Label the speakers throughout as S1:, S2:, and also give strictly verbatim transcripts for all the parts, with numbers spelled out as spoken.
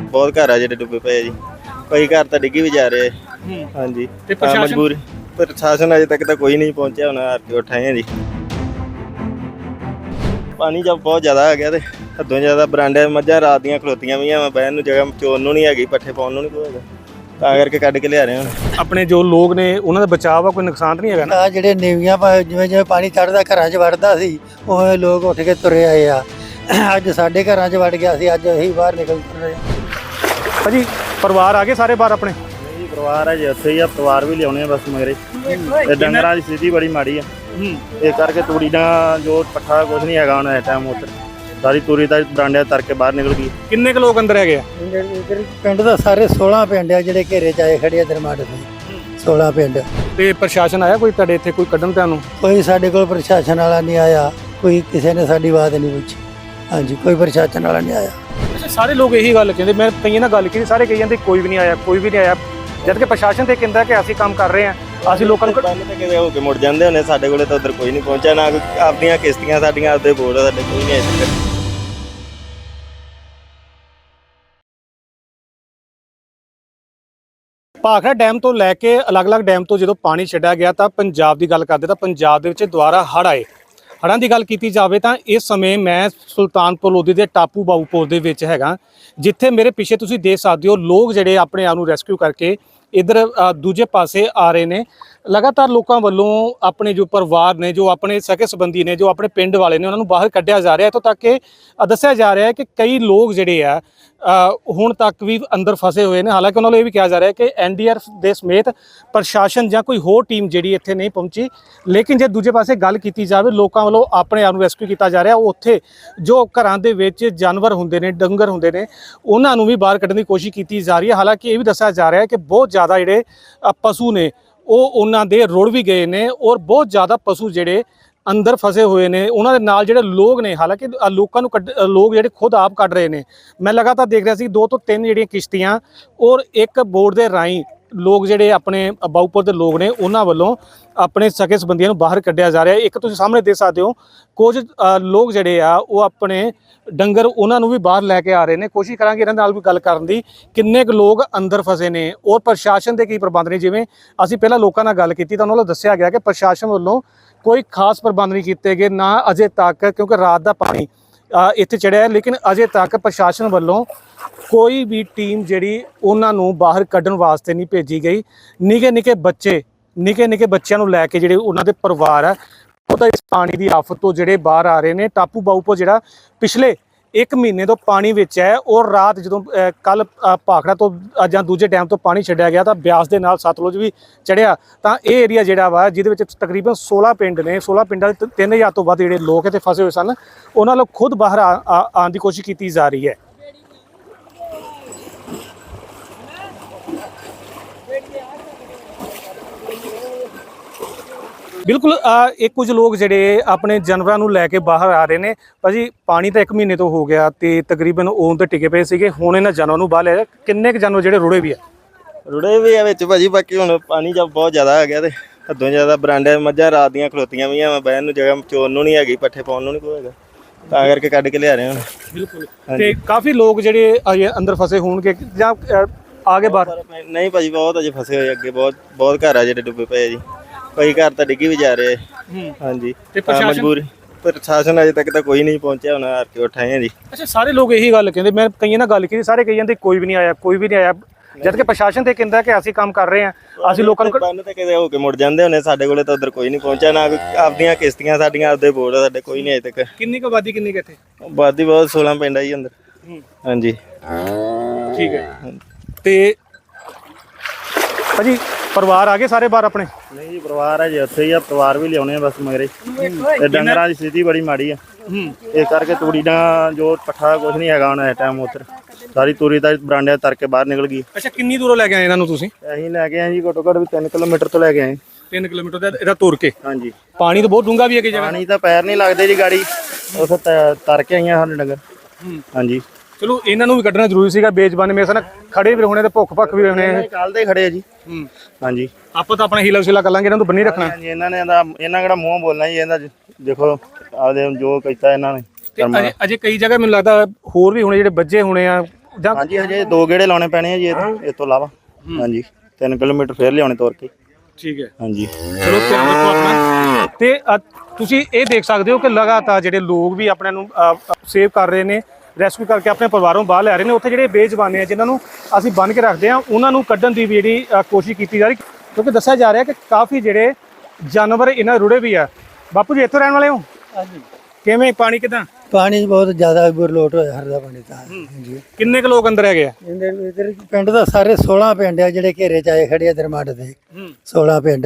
S1: ਬਹੁਤ ਘਰ ਆ ਜਿਹੜੇ ਡੁੱਬੇ ਪਏ ਜੀ। ਕਈ ਘਰ ਤਾਂ ਡਿੱਗੀ ਵੀ ਜਾ ਰਹੇ। ਹਾਂਜੀ ਮਜਬੂਰੀ ਪ੍ਰਸ਼ਾਸਨ ਅਜੇ ਤੱਕ ਤਾਂ ਕੋਈ ਨਹੀਂ ਪਹੁੰਚਿਆ। ਹੁਣ ਆਰਟੀ ਉਠਾਏ ਆ ਜੀ। ਪਾਣੀ ਜਦ ਬਹੁਤ ਜ਼ਿਆਦਾ ਆ ਗਿਆ ਤੇ ਹੱਦੋਂ ਜ਼ਿਆਦਾ ਬਰਾਂਡੇ ਮੱਝਾਂ ਰਾਤ ਦੀਆਂ ਖਲੋਤੀਆਂ ਵੀ ਆ, ਬਹਿਣ ਨੂੰ ਜਗ੍ਹਾ ਚੋਣ ਨੂੰ ਨਹੀਂ ਹੈਗੀ, ਪੱਠੇ ਪਾਉਣ ਨੂੰ ਨਹੀਂ ਕੋਈ ਹੈਗਾ, ਤਾਂ ਕਰਕੇ ਕੱਢ ਕੇ ਲਿਆ ਰਹੇ ਹਾਂ।
S2: ਆਪਣੇ ਜੋ ਲੋਕ ਨੇ ਉਹਨਾਂ ਦਾ ਬਚਾਅ ਆ, ਕੋਈ ਨੁਕਸਾਨ ਤਾਂ ਨਹੀਂ ਹੈਗਾ ਨਾ?
S3: ਜਿਹੜੇ ਨੀਵੀਆਂ ਜਿਵੇਂ ਜਿਵੇਂ ਪਾਣੀ ਚੜ੍ਹਦਾ ਘਰਾਂ 'ਚ ਵੜਦਾ ਸੀ ਉਹ ਲੋਕ ਉੱਠ ਕੇ ਤੁਰੇ ਆਏ ਆ। ਅੱਜ ਸਾਡੇ ਘਰਾਂ 'ਚ ਵੜ ਗਿਆ ਸੀ, ਅੱਜ ਅਸੀਂ ਬਾਹਰ ਨਿਕਲ ਰਹੇ ਹਾਂ।
S2: ਭਾਜੀ ਪਰਿਵਾਰ ਆ ਗਏ ਸਾਰੇ ਬਾਹਰ ਆਪਣੇ?
S1: ਨਹੀਂ ਪਰਿਵਾਰ ਹੈ ਜੀ ਉੱਥੇ ਹੀ ਆ, ਪਰਿਵਾਰ ਵੀ ਲਿਆਉਣੇ ਆ ਬਸ ਮਗਰੇ। ਤੇ ਡੰਗਰਾਂ ਦੀ ਸਥਿਤੀ ਬੜੀ ਮਾੜੀ ਆ, ਇਸ ਕਰਕੇ ਤੂੜੀ ਦਾ ਜੋ ਪੱਠਾ ਕੁਝ ਨਹੀਂ ਹੈਗਾ ਹੁਣ ਇਸ ਟਾਈਮ। ਉੱਧਰ ਸਾਰੀ ਤੂੜੀ ਦਾ ਬਰਾਂਡਿਆਂ ਤਰ ਕੇ ਬਾਹਰ ਨਿਕਲ ਗਈ।
S2: ਕਿੰਨੇ ਕੁ ਲੋਕ ਅੰਦਰ ਹੈਗੇ ਆ?
S3: ਪਿੰਡ ਦਾ ਸਾਰੇ ਸੋਲਾਂ ਪਿੰਡ ਆ ਜਿਹੜੇ ਘੇਰੇ 'ਚ ਆਏ ਖੜੇ ਆ ਦਰਮਾਟ ਦੇ, ਸੋਲਾਂ ਪਿੰਡ।
S2: ਤੇ ਪ੍ਰਸ਼ਾਸਨ ਆਇਆ ਕੋਈ ਤੁਹਾਡੇ ਇੱਥੇ ਕੋਈ ਕੱਢਣ ਤੁਹਾਨੂੰ?
S3: ਕੋਈ ਸਾਡੇ ਕੋਲ ਪ੍ਰਸ਼ਾਸਨ ਵਾਲਾ ਨਹੀਂ ਆਇਆ, ਕੋਈ ਕਿਸੇ ਨੇ ਸਾਡੀ ਬਾਤ ਨਹੀਂ ਪੁੱਛੀ। ਹਾਂਜੀ ਕੋਈ ਪ੍ਰਸ਼ਾਸਨ ਵਾਲਾ ਨਹੀਂ ਆਇਆ।
S2: ਅੱਛਾ ਸਾਰੇ ਲੋਕ ਇਹੀ ਗੱਲ ਕਹਿੰਦੇ, ਮੈਂ ਕਈਆਂ ਨਾਲ ਗੱਲ ਕੀਤੀ, ਸਾਰੇ ਕਹੀ ਜਾਂਦੇ ਕੋਈ ਵੀ ਨਹੀਂ ਆਇਆ, ਕੋਈ ਵੀ ਨਹੀਂ ਆਇਆ, ਜਦ ਕਿ ਪ੍ਰਸ਼ਾਸਨ ਤੇ ਕਹਿੰਦਾ ਕਿ ਅਸੀਂ ਕੰਮ ਕਰ ਰਹੇ ਹਾਂ, ਅਸੀਂ ਲੋਕਾਂ ਨੂੰ
S1: ਬੰਨ ਤੇ ਕਿਤੇ ਹੋ ਕੇ ਮੁੜ ਜਾਂਦੇ ਹੁੰਦੇ। ਸਾਡੇ ਕੋਲੇ ਤਾਂ ਉੱਧਰ ਕੋਈ ਨਹੀਂ ਪਹੁੰਚਿਆ, ਨਾ ਕੋਈ ਆਪਦੀਆਂ ਕਿਸ਼ਤੀਆਂ ਸਾਡੀਆਂ ਆਪਦੇ ਬੋਰਡ ਸਾਡੇ ਕੋਈ ਨਹੀਂ ਆਏ ਤੱਕ।
S2: ਭਾਖੜਾ ਡੈਮ ਤੋਂ ਲੈ ਕੇ ਅਲੱਗ-ਅਲੱਗ ਡੈਮ ਤੋਂ ਜਦੋਂ ਪਾਣੀ ਛੱਡਿਆ ਗਿਆ ਤਾਂ ਪੰਜਾਬ ਦੀ ਗੱਲ ਕਰਦੇ ਤਾਂ ਪੰਜਾਬ ਦੇ ਵਿੱਚ ਦੁਬਾਰਾ ਹੜ੍ਹ ਆਏ। ਹੜ੍ਹਾਂ ਦੀ ਗੱਲ ਕੀਤੀ ਜਾਵੇ ਤਾਂ ਇਸ ਸਮੇਂ ਮੈਂ ਸੁਲਤਾਨਪੁਰ ਲੋਧੀ ਦੇ ਟਾਪੂ ਬਾਊਪੁਰ ਦੇ ਵਿੱਚ ਹੈਗਾ, ਜਿੱਥੇ ਮੇਰੇ ਪਿੱਛੇ ਤੁਸੀਂ ਦੇਖ ਸਕਦੇ ਹੋ ਲੋਕ ਜਿਹੜੇ ਆਪਣੇ ਆਪ ਨੂੰ ਰੈਸਕਿਊ ਕਰਕੇ ਇੱਧਰ ਦੂਜੇ ਪਾਸੇ ਆ ਰਹੇ ਨੇ। ਲਗਾਤਾਰ ਲੋਕਾਂ ਵੱਲੋਂ ਆਪਣੇ ਜੋ ਪਰਿਵਾਰ ਨੇ, ਜੋ ਆਪਣੇ ਸਕੇ ਸੰਬੰਧੀ ਨੇ, ਜੋ ਆਪਣੇ ਪਿੰਡ ਵਾਲੇ ਨੇ, ਉਹਨਾਂ ਨੂੰ ਬਾਹਰ ਕੱਢਿਆ ਜਾ ਰਿਹਾ। ਇੱਥੋਂ ਤੱਕ ਕਿ ਦੱਸਿਆ ਜਾ ਰਿਹਾ ਹੈ ਕਿ ਕਈ ਲੋਕ ਜਿਹੜੇ ਆ ਹੁਣ ਤੱਕ ਵੀ ਅੰਦਰ ਫਸੇ ਹੋਏ ਨੇ। ਹਾਲਾਂਕਿ ਉਹਨਾਂ ਨੂੰ ਇਹ ਵੀ ਕਿਹਾ ਜਾ ਰਿਹਾ ਕਿ ਐਨ ਡੀ ਆਰ ਐਫ ਦੇ ਸਮੇਤ ਪ੍ਰਸ਼ਾਸਨ ਜਾਂ ਕੋਈ ਹੋਰ ਟੀਮ ਜਿਹੜੀ ਇੱਥੇ ਨਹੀਂ ਪਹੁੰਚੀ। ਲੇਕਿਨ ਜੇ ਦੂਜੇ ਪਾਸੇ ਗੱਲ ਕੀਤੀ ਜਾਵੇ, ਲੋਕਾਂ ਵੱਲੋਂ ਆਪਣੇ ਆਪ ਨੂੰ ਰੈਸਕਿਊ ਕੀਤਾ ਜਾ ਰਿਹਾ। ਉੱਥੇ ਜੋ ਘਰਾਂ ਦੇ ਵਿੱਚ ਜਾਨਵਰ ਹੁੰਦੇ ਨੇ, ਡੰਗਰ ਹੁੰਦੇ ਨੇ, ਉਹਨਾਂ ਨੂੰ ਵੀ ਬਾਹਰ ਕੱਢਣ ਦੀ ਕੋਸ਼ਿਸ਼ ਕੀਤੀ ਜਾ ਰਹੀ ਹੈ। ਹਾਲਾਂਕਿ ਇਹ ਵੀ ਦੱਸਿਆ ਜਾ ਰਿਹਾ ਹੈ ਕਿ ਬਹੁਤ ਜ਼ਿਆਦਾ ਜਿਹੜੇ ਪਸ਼ੂ ਨੇ ਉਹ ਉਹਨਾਂ ਦੇ ਰੁੜ ਵੀ ਗਏ ਨੇ, ਔਰ ਬਹੁਤ ਜ਼ਿਆਦਾ ਪਸ਼ੂ ਜਿਹੜੇ ਅੰਦਰ ਫਸੇ ਹੋਏ ਨੇ। ਉਹਨਾਂ ਦੇ ਨਾਲ ਜਿਹੜੇ ਲੋਕ ਨੇ, ਹਾਲਾਂਕਿ ਲੋਕਾਂ ਨੂੰ ਕੱਢ ਲੋਕ ਜਿਹੜੇ ਖੁਦ ਆਪ ਕੱਢ ਰਹੇ ਨੇ। ਮੈਂ ਲਗਾਤਾਰ ਦੇਖ ਰਿਹਾ ਸੀ ਦੋ ਤੋਂ ਤਿੰਨ ਜਿਹੜੀਆਂ ਕਿਸ਼ਤੀਆਂ ਔਰ ਇੱਕ ਬੋਟ ਦੇ ਰਾਹੀਂ ਲੋਕ ਜਿਹੜੇ ਆਪਣੇ ਬਾਊਪੁਰ ਦੇ ਲੋਕ ਨੇ ਉਹਨਾਂ ਵੱਲੋਂ ਆਪਣੇ ਸਕੇ ਸੰਬੰਧੀਆਂ ਨੂੰ ਬਾਹਰ ਕੱਢਿਆ ਜਾ ਰਿਹਾ। ਇੱਕ ਤੁਸੀਂ ਸਾਹਮਣੇ ਦੇਖ ਸਕਦੇ ਹੋ ਕੁਝ ਲੋਕ ਜਿਹੜੇ ਆ ਉਹ ਆਪਣੇ ਡੰਗਰ ਉਹਨਾਂ ਨੂੰ ਵੀ ਬਾਹਰ ਲੈ ਕੇ ਆ ਰਹੇ ਨੇ। ਕੋਸ਼ਿਸ਼ ਕਰਾਂਗੇ ਇਹਨਾਂ ਨਾਲ ਵੀ ਗੱਲ ਕਰਨ ਦੀ, ਕਿੰਨੇ ਕੁ ਲੋਕ ਅੰਦਰ ਫਸੇ ਨੇ ਔਰ ਪ੍ਰਸ਼ਾਸਨ ਦੇ ਕੀ ਪ੍ਰਬੰਧ ਨੇ। ਜਿਵੇਂ ਅਸੀਂ ਪਹਿਲਾਂ ਲੋਕਾਂ ਨਾਲ ਗੱਲ ਕੀਤੀ ਤਾਂ ਉਹਨਾਂ ਵੱਲੋਂ ਦੱਸਿਆ ਗਿਆ ਕਿ ਪ੍ਰਸ਼ਾਸਨ ਵੱਲੋਂ ਕੋਈ ਖਾਸ ਪ੍ਰਬੰਧ ਨਹੀਂ ਕੀਤੇ ਗਏ ਨਾ ਅਜੇ ਤੱਕ, ਕਿਉਂਕਿ ਰਾਤ ਦਾ ਪਾਣੀ ਇੱਥੇ ਚੜਿਆ ਹੈ। ਲੇਕਿਨ ਅਜੇ ਤੱਕ ਪ੍ਰਸ਼ਾਸਨ ਵੱਲੋਂ ਕੋਈ ਵੀ ਟੀਮ ਜਿਹੜੀ ਉਹਨਾਂ ਨੂੰ ਬਾਹਰ ਕੱਢਣ ਵਾਸਤੇ ਨਹੀਂ ਭੇਜੀ ਗਈ। ਨਿੱਕੇ ਨਿੱਕੇ ਬੱਚੇ ਨਿੱਕੇ ਨਿੱਕੇ ਬੱਚਿਆਂ ਨੂੰ ਲੈ ਕੇ ਜਿਹੜੇ ਉਹਨਾਂ ਦੇ ਪਰਿਵਾਰ ਆ ਉਹ ਤਾਂ ਇਸ ਪਾਣੀ ਦੀ ਆਫਤ ਤੋਂ ਜਿਹੜੇ ਬਾਹਰ ਆ ਰਹੇ ਨੇ। ਟਾਪੂ ਬਾਊਪੁਰ ਜਿਹੜਾ ਪਿਛਲੇ ਇੱਕ ਮਹੀਨੇ ਤੋਂ ਪਾਣੀ ਵਿੱਚ ਹੈ, ਔਰ ਰਾਤ ਜਦੋਂ ਕੱਲ ਭਾਖੜਾ ਤੋਂ ਜਾਂ ਦੂਜੇ ਡੈਮ ਤੋਂ ਪਾਣੀ ਛੱਡਿਆ ਗਿਆ ਤਾਂ ਬਿਆਸ ਦੇ ਨਾਲ ਸਤਲੁਜ ਵੀ ਚੜਿਆ। ਤਾਂ ਇਹ ਏਰੀਆ ਜਿਹੜਾ ਵਾ ਜਿਹਦੇ ਵਿੱਚ ਤਕਰੀਬਨ ਸੋਲਾਂ ਪਿੰਡ ਨੇ, ਸੋਲਾਂ ਪਿੰਡਾਂ ਦੇ ਤਿੰਨ ਹਜ਼ਾਰ ਤੋਂ ਵੱਧ ਜਿਹੜੇ ਲੋਕ ਇੱਥੇ ਫਸੇ ਹੋਏ ਸਨ, ਉਹਨਾਂ ਨੂੰ ਖੁਦ ਬਾਹਰ ਆਉਣ ਦੀ ਕੋਸ਼ਿਸ਼ ਕੀਤੀ ਜਾ ਰਹੀ ਹੈ। ਬਿਲਕੁਲ ਇਹ ਕੁਝ ਲੋਕ ਜਿਹੜੇ ਆਪਣੇ ਜਾਨਵਰਾਂ ਨੂੰ ਲੈ ਕੇ ਬਾਹਰ ਆ ਰਹੇ ਨੇ। ਭਾਜੀ ਪਾਣੀ ਤਾਂ ਇੱਕ ਮਹੀਨੇ ਤੋਂ ਹੋ ਗਿਆ ਤੇ ਤਕਰੀਬਨ ਉਹ ਤੇ ਟਿਕੇ ਪਏ ਸੀਗੇ, ਹੁਣ ਇਹਨਾਂ ਜਾਨਵਰਾਂ ਨੂੰ ਬਾਹਰ ਲਿਆ। ਕਿੰਨੇ ਕੁ ਜਾਨਵਰ ਜਿਹੜੇ ਰੁੜੇ ਵੀ ਆ?
S1: ਰੁੜੇ ਵੀ ਆ ਵਿੱਚ ਭਾਜੀ, ਬਾਕੀ ਹੁਣ ਪਾਣੀ ਜਦ ਬਹੁਤ ਜ਼ਿਆਦਾ ਆ ਗਿਆ ਤੇ ਹੱਦੋਂ ਜ਼ਿਆਦਾ ਬਰਾਂਡੇ ਮੱਝਾਂ ਰਾਤ ਦੀਆਂ ਖਲੋਤੀਆਂ ਵੀ ਆ, ਬਹਿਣ ਨੂੰ ਜਗ੍ਹਾ ਚੋਣ ਨੂੰ ਨਹੀਂ ਹੈਗੀ, ਪੱਠੇ ਪਾਉਣ ਨੂੰ ਨਹੀਂ ਕੋਈ ਹੈਗਾ, ਤਾਂ ਕਰਕੇ ਕੱਢ ਕੇ ਲਿਆ ਰਹੇ ਹਾਂ।
S2: ਬਿਲਕੁਲ। ਤੇ ਕਾਫੀ ਲੋਕ ਜਿਹੜੇ ਅੰਦਰ ਫਸੇ ਹੋਣਗੇ ਜਾਂ ਆ ਗਏ ਬਾਹਰ?
S1: ਨਹੀਂ ਭਾਜੀ ਬਹੁਤ ਅਜੇ ਫਸੇ ਹੋਏ, ਅੱਗੇ ਬਹੁਤ ਬਹੁਤ ਘਰ ਆ ਜਿਹੜੇ ਡੁੱਬੇ ਪਏ ਜੀ। ਕਈ ਘਰ ਤਾਂ ਡਿੱਗੀ ਵੀ ਜਾ ਰਹੇ। ਹਾਂਜੀ ਮਜਬੂਰੀ ਪ੍ਰਸ਼ਾਸਨ ਅਜੇ ਤੱਕ ਤਾਂ ਕੋਈ ਨਹੀਂ ਪਹੁੰਚਿਆ, ਹੁਣ ਆਰਟੀ ਉਠਾਏ ਆ ਜੀ।
S2: ਅੱਛਾ ਸਾਰੇ ਲੋਕ ਇਹੀ ਗੱਲ ਕਹਿੰਦੇ, ਮੈਂ ਕਈਆਂ ਨਾਲ ਗੱਲ ਕੀਤੀ, ਸਾਰੇ ਕਹੀ ਜਾਂਦੇ ਕੋਈ ਵੀ ਨਹੀਂ ਆਇਆ, ਕੋਈ ਵੀ ਨਹੀਂ ਆਇਆ, ਜਦ ਕਿ ਪ੍ਰਸ਼ਾਸਨ ਤੇ ਕਹਿੰਦਾ ਕਿ ਅਸੀਂ ਕੰਮ ਕਰ ਰਹੇ ਹਾਂ, ਅਸੀਂ ਲੋਕਾਂ ਨੂੰ
S1: ਬੰਨ ਤੇ ਕਿਤੇ ਹੋ ਕੇ ਮੁੜ ਜਾਂਦੇ ਹੁੰਦੇ। ਸਾਡੇ ਕੋਲੇ ਤਾਂ ਉੱਧਰ ਕੋਈ ਨਹੀਂ ਪਹੁੰਚਿਆ, ਨਾ ਕੋਈ ਆਪਦੀਆਂ ਕਿਸ਼ਤੀਆਂ ਸਾਡੀਆਂ ਆਪਦੇ ਬੋਰਡ ਸਾਡੇ ਕੋਈ ਨਹੀਂ ਅਜੇ ਤੱਕ।
S2: ਕਿੰਨੀ ਕੁ ਆਬਾਦੀ ਕਿੰਨੀ ਕੁ ਇੱਥੇ?
S1: ਆਬਾਦੀ ਬਹੁਤ ਸੋਲਾਂ ਪਿੰਡ ਆ ਜੀ ਅੰਦਰ। ਹਾਂਜੀ
S2: ਠੀਕ ਹੈ। ਤੇ ਭਾਜੀ ਪਰਿਵਾਰ ਆ ਗਏ ਸਾਰੇ ਬਾਹਰ ਆਪਣੇ?
S1: ਨਹੀਂ ਜੀ ਪਰਿਵਾਰ ਹੈ ਜੀ ਉੱਥੇ ਹੀ ਆ, ਪਰਿਵਾਰ ਵੀ ਲਿਆਉਣੇ ਆ ਬਸ ਮਗਰੇ। ਤੇ ਡੰਗਰਾਂ ਦੀ ਸਥਿਤੀ ਬੜੀ ਮਾੜੀ ਆ, ਇਸ ਕਰਕੇ ਤੂੜੀ ਦਾ ਜੋ ਪੱਠਾ ਕੁਝ ਨਹੀਂ ਹੈਗਾ ਹੁਣ ਇਸ ਟਾਈਮ। ਉੱਧਰ ਸਾਰੀ ਤੂੜੀ ਦਾ ਬਰਾਂਡਿਆਂ ਤਰ ਕੇ ਬਾਹਰ ਨਿਕਲ ਗਈ।
S2: ਅੱਛਾ ਕਿੰਨੀ ਦੂਰੋਂ ਲੈ ਕੇ ਆਏ ਇਹਨਾਂ ਨੂੰ ਤੁਸੀਂ?
S1: ਅਸੀਂ ਲੈ ਕੇ ਆਏ ਜੀ ਘੱਟੋ ਘੱਟ ਵੀ ਤਿੰਨ ਕਿਲੋਮੀਟਰ ਤੋਂ ਲੈ ਕੇ ਆਏ।
S2: ਤਿੰਨ ਕਿਲੋਮੀਟਰ ਦਾ ਇਹਦਾ ਤੁਰ ਕੇ?
S1: ਹਾਂਜੀ।
S2: ਪਾਣੀ ਤਾਂ ਬਹੁਤ ਡੂੰਘਾ ਵੀ ਹੈ ਕਿ ਜਗ੍ਹਾ?
S1: ਪਾਣੀ ਤਾਂ ਪੈਰ ਨਹੀਂ ਲੱਗਦੇ ਜੀ ਗਾੜੀ, ਉੱਥੇ ਤਰ ਕੇ ਆਈਆਂ ਸਾਡੇ ਡੰਗਰ। ਹਾਂਜੀ
S2: ਚਲੋ ਇਹਨਾਂ ਨੂੰ ਵੀ ਕੱਢਣਾ ਜ਼ਰੂਰੀ ਸੀਗਾ, ਬੇਜ਼ਬਾਨ ਮੇਰੇ ਸਾਨ ਖੜੇ ਵੀ ਹੋਣੇ ਤੇ ਭੁੱਖ ਭੱਖ ਵੀ ਹੋਣੇ।
S1: ਕੱਲ ਦੇ ਖੜੇ ਆ ਜੀ। ਹਾਂਜੀ
S2: ਆਪਾਂ ਤਾਂ ਆਪਣਾ ਹੀਲਾ ਵਸੀਲਾ ਕਰ ਲਾਂਗੇ, ਇਹਨਾਂ ਨੂੰ ਬੰਨੀ ਰੱਖਣਾ।
S1: ਹਾਂਜੀ ਇਹਨਾਂ ਨੇ ਇਹਨਾਂ ਕਿਹੜਾ ਮੂੰਹ ਬੋਲਣਾ ਜੀ, ਇਹਦਾ ਦੇਖੋ ਆਪਦੇ ਜੋ ਕੀਤਾ ਇਹਨਾਂ ਨੇ।
S2: ਅਜੇ ਅਜੇ ਕਈ ਜਗ੍ਹਾ ਮੈਨੂੰ ਲੱਗਦਾ ਹੋਰ ਵੀ ਹੋਣੇ ਜਿਹੜੇ ਬੱਜੇ ਹੋਣੇ ਆ, ਜਾਂ
S1: ਹਾਂਜੀ ਹਜੇ ਦੋ ਗੇੜੇ ਲਾਉਣੇ ਪੈਣੇ ਆ ਜੀ ਇਹ ਤੋਂ ਇਲਾਵਾ। ਹਾਂਜੀ ਤਿੰਨ ਕਿਲੋਮੀਟਰ ਫੇਰ ਲਿਆਉਣੇ ਤੋਰ ਕੇ।
S2: ਠੀਕ ਹੈ,
S1: ਹਾਂਜੀ
S2: ਚਲੋ ਧਿਆਨ ਰੱਖੋ ਆਪਣਾ। ਤੇ ਅ, ਤੁਸੀਂ ਇਹ ਦੇਖ ਸਕਦੇ ਹੋ ਕਿ ਲਗਾਤਾਰ ਜਿਹੜੇ ਲੋਕ ਵੀ ਆਪਣੇ ਨੂੰ ਸੇਵ ਕਰ ਰਹੇ ਨੇ, ਰੈਸਕਿਊ ਕਰਕੇ ਆਪਣੇ ਪਰਿਵਾਰੋਂ ਬਾਹਰ ਲੈ ਰਹੇ ਨੇ। ਉੱਥੇ ਜਿਹੜੇ ਬੇਜ਼ੁਬਾਨੇ ਆ ਜਿਨ੍ਹਾਂ ਨੂੰ ਅਸੀਂ ਬੰਨ੍ਹ ਕੇ ਰੱਖਦੇ ਆ ਉਹਨਾਂ ਨੂੰ ਕੱਢਣ ਦੀ ਵੀ ਜਿਹੜੀ ਅ, ਕੋਸ਼ਿਸ਼ ਕੀਤੀ ਜਾ ਰਹੀ, ਕਿਉਂਕਿ ਦੱਸਿਆ ਜਾ ਰਿਹਾ ਕਿ ਕਾਫੀ ਜਿਹੜੇ ਜਾਨਵਰ ਇਹਨਾਂ ਰੁੜੇ ਵੀ ਆ। ਬਾਪੂ ਜੀ ਇੱਥੋਂ ਰਹਿਣ ਵਾਲੇ ਹੋ?
S3: ਹਾਂਜੀ।
S2: ਕਿਵੇਂ ਪਾਣੀ ਕਿਦਾਂ?
S3: ਪਾਣੀ ਬਹੁਤ ਜ਼ਿਆਦਾ ਬੁਰਲੋਟ ਹੋਇਆ ਹਰਦਾ ਪਾਣੀ ਤਾਂ। ਹਾਂਜੀ
S2: ਕਿੰਨੇ ਕੁ ਲੋਕ ਅੰਦਰ ਹੈਗੇ ਆ?
S3: ਇਹਦੇ ਇਧਰ ਪਿੰਡ ਦਾ ਸਾਰੇ ਸੋਲਾਂ ਪਿੰਡ ਆ ਜਿਹੜੇ ਘੇਰੇ ਚ ਆਏ ਖੜੇ ਆ ਦਰਮੱਟ ਦੇ। ਸੋਲਾਂ ਪਿੰਡ।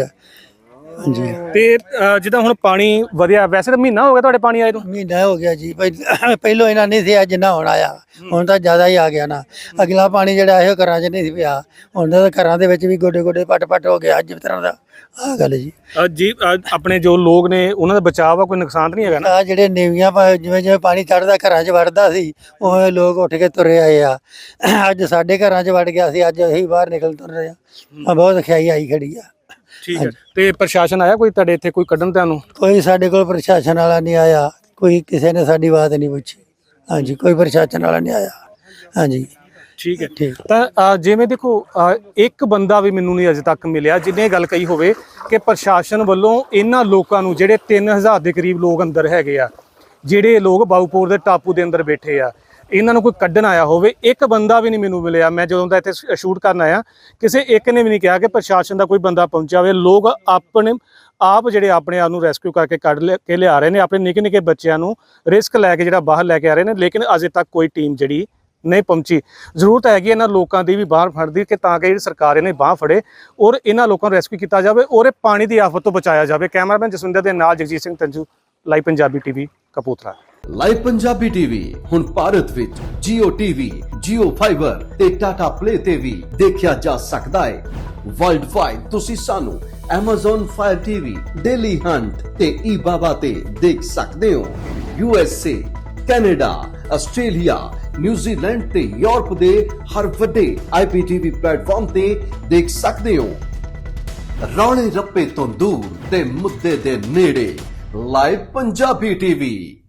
S3: ਹਾਂਜੀ
S2: ਤੇ ਅ, ਜਿੱਦਾਂ ਹੁਣ ਪਾਣੀ ਵਧਿਆ, ਵੈਸੇ ਤਾਂ ਮਹੀਨਾ ਹੋ ਗਿਆ ਤੁਹਾਡੇ ਪਾਣੀ ਆਏ ਨੂੰ?
S3: ਮਹੀਨਾ ਹੋ ਗਿਆ ਜੀ। ਪਹਿ- ਪਹਿਲੋਂ ਇਹਨਾਂ ਨਹੀਂ ਸੀ ਜਿੰਨਾ ਹੁਣ ਆਇਆ, ਹੁਣ ਤਾਂ ਜ਼ਿਆਦਾ ਹੀ ਆ ਗਿਆ ਨਾ। ਅਗਲਾ ਪਾਣੀ ਜਿਹੜਾ ਇਹੋ ਘਰਾਂ 'ਚ ਨਹੀਂ ਸੀ ਪਿਆ, ਹੁਣ ਤਾਂ ਘਰਾਂ ਦੇ ਵਿੱਚ ਵੀ ਗੋਡੇ ਗੋਡੇ ਪੱਟ ਪੱਟ ਹੋ ਗਿਆ ਅੱਜ ਤਰ੍ਹਾਂ ਦਾ। ਆਹ ਗੱਲ ਜੀ।
S2: ਅ, ਜੀ ਅ, ਆਪਣੇ ਜੋ ਲੋਕ ਨੇ ਉਹਨਾਂ ਦਾ ਬਚਾਅ ਆ, ਕੋਈ ਨੁਕਸਾਨ ਤਾਂ ਨਹੀਂ ਹੈਗਾ ਨਾ?
S3: ਆ ਜਿਹੜੇ ਨੀਵੀਆਂ ਪਾ- ਜਿਵੇਂ ਜਿਵੇਂ ਪਾਣੀ ਚੜਦਾ ਘਰਾਂ 'ਚ ਵੜਦਾ ਸੀ ਉਹ ਲੋਕ ਉੱਠ ਕੇ ਤੁਰੇ ਆਏ ਆ। ਅੱਜ ਸਾਡੇ ਘਰਾਂ 'ਚ ਵੜ ਗਿਆ ਸੀ, ਅੱਜ ਅਸੀਂ ਬਾਹਰ ਨਿਕਲ ਤੁਰ ਰਹੇ ਆ। ਆਹ ਬਹੁਤ ਖਿਆਈ ਆਈ ਖੜੀ ਆ।
S2: ਠੀਕ ਹੈ। ਤੇ ਪ੍ਰਸ਼ਾਸਨ ਆਇਆ ਕੋਈ ਤੁਹਾਡੇ ਇੱਥੇ ਕੋਈ ਕੱਢਣ ਤੁਹਾਨੂੰ?
S3: ਕੋਈ ਸਾਡੇ ਕੋਲ ਪ੍ਰਸ਼ਾਸਨ ਵਾਲਾ ਨਹੀਂ ਆਇਆ, ਕੋਈ ਕਿਸੇ ਨੇ ਸਾਡੀ ਬਾਤ ਨਹੀਂ ਪੁੱਛੀ। ਹਾਂਜੀ ਕੋਈ ਪ੍ਰਸ਼ਾਸਨ ਵਾਲਾ ਨਹੀਂ ਆਇਆ। ਹਾਂਜੀ
S2: ਠੀਕ ਹੈ।
S3: ਠੀਕ।
S2: ਤਾਂ ਅ, ਜਿਵੇਂ ਦੇਖੋ ਅ, ਇੱਕ ਬੰਦਾ ਵੀ ਮੈਨੂੰ ਨਹੀਂ ਅਜੇ ਤੱਕ ਮਿਲਿਆ ਜਿਹਨੇ ਗੱਲ ਕਹੀ ਹੋਵੇ ਕਿ ਪ੍ਰਸ਼ਾਸਨ ਵੱਲੋਂ ਇਹਨਾਂ ਲੋਕਾਂ ਨੂੰ, ਜਿਹੜੇ ਤਿੰਨ ਹਜ਼ਾਰ ਦੇ ਕਰੀਬ ਲੋਕ ਅੰਦਰ ਹੈਗੇ ਆ, ਜਿਹੜੇ ਲੋਕ ਬਾਊਪੁਰ ਦੇ ਟਾਪੂ ਦੇ ਅੰਦਰ ਬੈਠੇ ਆ, ਇਹਨਾਂ ਨੂੰ ਕੋਈ ਕੱਢਣ ਆਇਆ ਹੋਵੇ, ਇੱਕ ਬੰਦਾ ਵੀ ਨਹੀਂ ਮੈਨੂੰ ਮਿਲਿਆ। ਮੈਂ ਜਦੋਂ ਦਾ ਇੱਥੇ ਸ਼ੂਟ ਕਰਨ ਆਇਆ ਕਿਸੇ ਇੱਕ ਨੇ ਵੀ ਨਹੀਂ ਕਿਹਾ ਕਿ ਪ੍ਰਸ਼ਾਸਨ ਦਾ ਕੋਈ ਬੰਦਾ ਪਹੁੰਚਿਆ ਹੋਵੇ। ਲੋਕ ਆਪਣੇ ਆਪ ਜਿਹੜੇ ਆਪਣੇ ਆਪ ਨੂੰ ਰੈਸਕਿਊ ਕਰਕੇ ਕੱਢ ਲਿਆ ਕੇ ਲਿਆ ਰਹੇ ਨੇ, ਆਪਣੇ ਨਿੱਕੇ ਨਿੱਕੇ ਬੱਚਿਆਂ ਨੂੰ ਰਿਸਕ ਲੈ ਕੇ ਜਿਹੜਾ ਬਾਹਰ ਲੈ ਕੇ ਆ ਰਹੇ ਨੇ, ਲੇਕਿਨ ਅਜੇ ਤੱਕ ਕੋਈ ਟੀਮ ਜਿਹੜੀ ਨਹੀਂ ਪਹੁੰਚੀ। ਜ਼ਰੂਰਤ ਹੈਗੀ ਇਹਨਾਂ ਲੋਕਾਂ ਦੀ ਵੀ ਬਾਹਰ ਫੜਦੀ ਕਿ ਤਾਂ ਕਿ ਜਿਹੜੀ ਸਰਕਾਰ ਇਹਨੇ ਬਾਹ ਫੜੇ ਔਰ ਇਹਨਾਂ ਲੋਕਾਂ ਨੂੰ ਰੈਸਕਿਊ ਕੀਤਾ ਜਾਵੇ ਔਰ ਇਹ ਪਾਣੀ ਦੀ ਆਫਤ ਤੋਂ ਬਚਾਇਆ ਜਾਵੇ। ਕੈਮਰਾਮੈਨ ਜਸਵਿੰਦਰ ਦੇ ਨਾਲ Jagjit Singh Tanju, live Punjabi TV, Kapurthala.
S4: Live Punjabi TV ਹੁਣ ਭਾਰਤ ਵਿੱਚ Jio T V, Jio Fiber ਤੇ Tata Play ਤੇ ਵੀ ਦੇਖਿਆ ਜਾ ਸਕਦਾ ਹੈ। ਵਰਲਡ ਵਾਈਡ ਤੁਸੀਂ ਸਾਨੂੰ Amazon Fire T V, Daily Hunt ਤੇ eBaba ਤੇ ਦੇਖ ਸਕਦੇ ਹੋ। U S A, Canada, Australia, New Zealand ਤੇ ਯੂਰਪ ਦੇ ਹਰ ਵੱਡੇ ਆਈ ਪੀ ਟੀ ਵੀ ਪਲੇਟਫਾਰਮ ਤੇ ਦੇਖ ਸਕਦੇ ਹੋ। ਰੌਲੇ ਰੱਪੇ ਤੋਂ ਦੂਰ ਤੇ ਮੁੱਦੇ ਦੇ ਨੇੜੇ, ਲਾਈਵ ਪੰਜਾਬੀ ਟੀਵੀ।